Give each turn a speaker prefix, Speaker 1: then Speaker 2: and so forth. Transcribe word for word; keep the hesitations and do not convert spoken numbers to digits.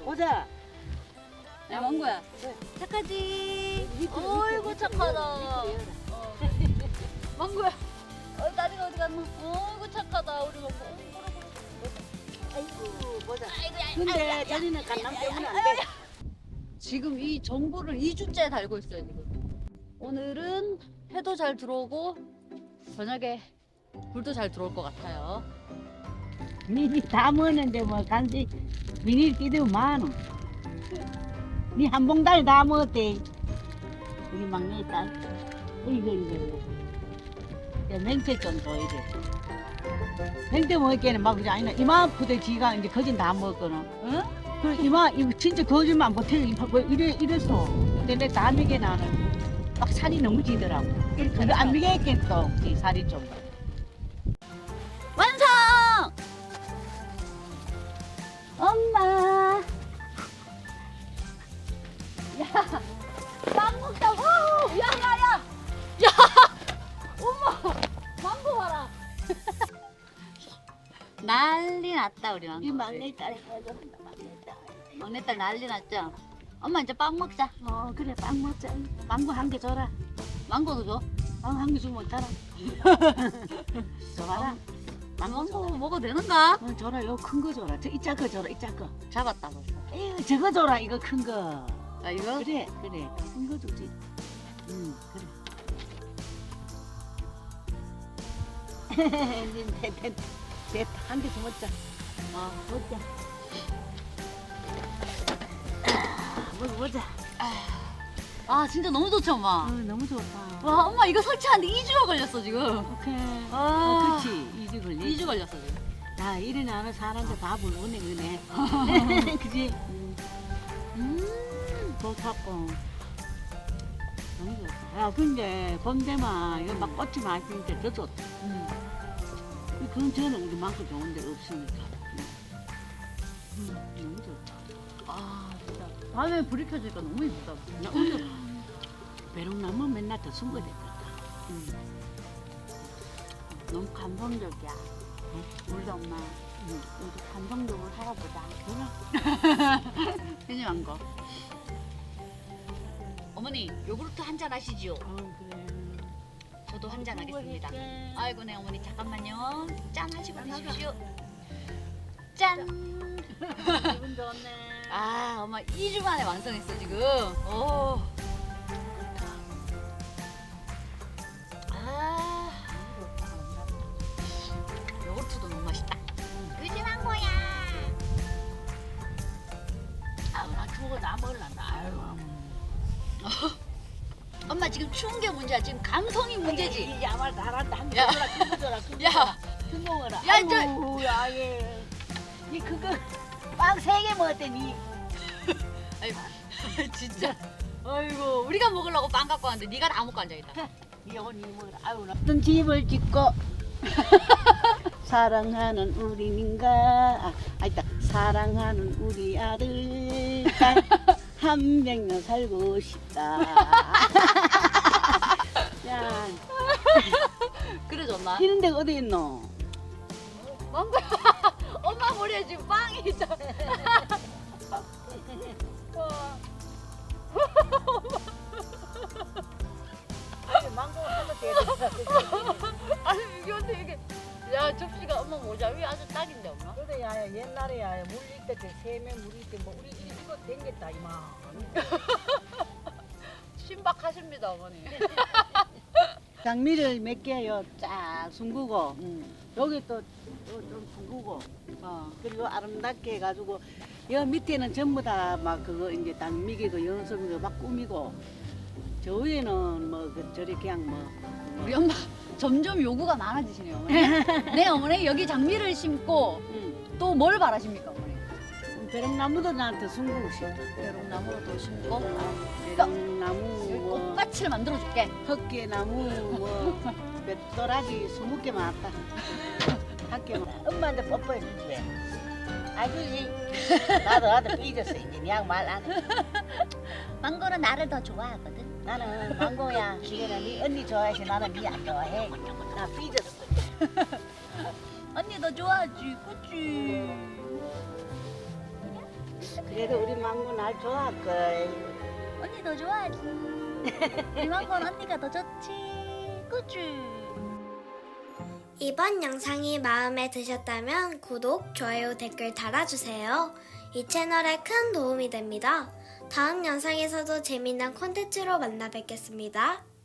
Speaker 1: 보자.
Speaker 2: 야 망고야 착하지? 어이구 착하다. 어. 망고야 어, 다리가 어디 갔노? 어이구 착하다 우리 망고. 어, 그래, 그래.
Speaker 1: 아이고 보자.
Speaker 2: 아이고, 야,
Speaker 1: 근데
Speaker 2: 아이고, 야,
Speaker 1: 저리는
Speaker 2: 야,
Speaker 1: 강남
Speaker 2: 야,
Speaker 1: 때문에
Speaker 2: 야,
Speaker 1: 안
Speaker 2: 야,
Speaker 1: 돼.
Speaker 2: 야. 지금 이 정보를 이 주째 달고 있어요 지금. 오늘은 해도 잘 들어오고 저녁에 불도 잘 들어올 것 같아요.
Speaker 1: 니다 먹었는데 뭐 간지 비닐 끼도 많어. 니 한 봉다리 다 먹었대. 우리 막내 딸. 이거 이거. 야 맹태 좀 줘 이래. 맹태 먹을게는 막 그지 아니나 이만 푸대 지가 이제 거진 다 먹었거든.
Speaker 2: 응?
Speaker 1: 그 이만 이거 진짜 거짓말 못해. 뭐 이래 이랬어. 근데 내 다 미게 나는 막 살이 너무 지더라고. 그거 안 미겠겠 또. 이 살이 좀.
Speaker 2: 완성!
Speaker 1: 엄마.
Speaker 2: 야, 빵 먹자고! 야, 야, 야! 야! 엄마! 망고 봐라! 난리 났다, 우리 망고.
Speaker 1: 이 막내 딸이 해줘. 막내 딸.
Speaker 2: 막내딸 난리 났죠? 엄마 이제 빵 먹자.
Speaker 1: 어 그래 빵 먹자. 망고 한 개 줘라.
Speaker 2: 망고도 줘.
Speaker 1: 망고 한 개 주면 어떡하라. 줘봐라. 망고
Speaker 2: 망고
Speaker 1: 줘라.
Speaker 2: 먹어도 되는가?
Speaker 1: 어, 줘라. 요 큰 거 줘라. 저 이짜 거 줘라. 이짜 거.
Speaker 2: 잡았다, 벌써.
Speaker 1: 에휴 저거 줘라. 이거 큰 거.
Speaker 2: 야, 이거?
Speaker 1: 그래 그래. 큰 거 주지. 응 그래. 이제 됐, 됐, 한 개 더 먹자.
Speaker 2: 어.
Speaker 1: 먹자. 먹어보자.
Speaker 2: 아, 진짜 너무 좋지, 엄마?
Speaker 1: 어, 너무 좋다.
Speaker 2: 와, 엄마 이거 설치하는데 이 주가 걸렸어, 지금.
Speaker 1: 오케이.
Speaker 2: 아.
Speaker 1: 어, 그렇지. 이주 걸리.
Speaker 2: 이 주 걸렸어, 지금.
Speaker 1: 야, 이래 나는 사람들 다 불러오네, 그네. 그지? 음,
Speaker 2: 음.
Speaker 1: 좋다고. 너무 좋다. 야, 근데, 봄 되면, 이거 막 꽃이 많이 피니까 더 좋다.
Speaker 2: 음.
Speaker 1: 이 근처는 우리 만큼 좋은 데 없으니까. 음, 너무 좋다.
Speaker 2: 아, 진짜. 밤에 불이 켜지니까 너무 이쁘다.
Speaker 1: 나 오늘 배롱나무 맨날 더 숨고 됐다. 음. 너무 감동적이야. 응? 우리 엄마, 응. 우리 감동적으로 살아보자. 그래?
Speaker 2: 괜히 한 거. 어머니, 요구르트 한 잔 하시지요?
Speaker 1: 어, 그래.
Speaker 2: 저도 한 잔 하겠습니다. 아이고, 네, 어머니, 잠깐만요. 짠 하시고 드십시오. 짠!
Speaker 1: 기분 좋네.
Speaker 2: 아, 엄마 이 주 만에 완성했어, 지금. 오. 아, 요거트도 너무 맛있다. 의진한 거야.
Speaker 1: 아우, 나 죽어, 나 먹을란다. 아유.
Speaker 2: 엄마 지금 추운 게 문제야. 지금 감성이 문제지.
Speaker 1: 이 야말 잘한다. 한
Speaker 2: 야.
Speaker 1: 개 줘라, 큰거 줘라, 큰거
Speaker 2: 야,
Speaker 1: 큰 거 먹어라.
Speaker 2: 야, 이제-
Speaker 1: 아이고, 야, 얘. 니 그거 빵 세 개 먹었더니.
Speaker 2: 아이고, 진짜. 아이고, 우리가 먹으려고 빵 갖고 왔는데 네가 다 먹고 앉아있다.
Speaker 1: 이거 니 먹어라. 아유, 나. 어떤 집을 짓고 사랑하는 우리 민가 아, 아니다. 사랑하는 우리 아들 한 백년 살고 싶다. 야,
Speaker 2: 그래 줬나?
Speaker 1: 피는 데가 어디 있노?
Speaker 2: 망고야, 엄마 머리에 지금 빵이 있다.
Speaker 1: 망고 하나 돼.
Speaker 2: 아니 이게 어떻게 이게? 야 접시가 엄마 모자 위 아주 딱인데 엄마.
Speaker 1: 그래 야 옛날에 야물 있을 때 세면 물 있을 때뭐 우리 이거 댕겼다 이만.
Speaker 2: 신박하십니다 어머니.
Speaker 1: 장미를 몇 개요 쫙 숨기고 여기 또 좀 숨기고 어 그리고 아름답게 해가지고 여 밑에는 전부 다 막 그거 이제 단미기고 연습이고 막 꾸미고 저 위에는 뭐 그 저리 그냥 뭐, 뭐
Speaker 2: 우리 엄마 점점 요구가 많아지시네요 어머니. 네 어머니 여기 장미를 심고
Speaker 1: 음,
Speaker 2: 또 뭘 바라십니까 어머니?
Speaker 1: 배롱나무도 나한테 숨기고 싶다.
Speaker 2: 배롱나무도 심고
Speaker 1: 배롱나무
Speaker 2: 여기
Speaker 1: 뭐
Speaker 2: 꽃밭을 만들어줄게.
Speaker 1: 헛개나무 뭐 몇 스무 개 많았다. 학교 엄마한테 뽀뽀해 주지. 아주지. 나도 나도 삐졌어 이제 양 말 안 해.
Speaker 2: 망고는 나를 더 좋아하거든.
Speaker 1: 나는 망고야. 이거는 네 언니 좋아해서 나는 네 안 좋아해. 나 삐졌어.
Speaker 2: 언니 너 좋아하지, 그치?
Speaker 1: 그래도 우리 망고 날 좋아할걸.
Speaker 2: 언니 더 좋아하지. 우리 망고는 언니가 더 좋지. 그치?
Speaker 3: 이번 영상이 마음에 드셨다면 구독, 좋아요, 댓글 달아주세요. 이 채널에 큰 도움이 됩니다. 다음 영상에서도 재미난 콘텐츠로 만나 뵙겠습니다.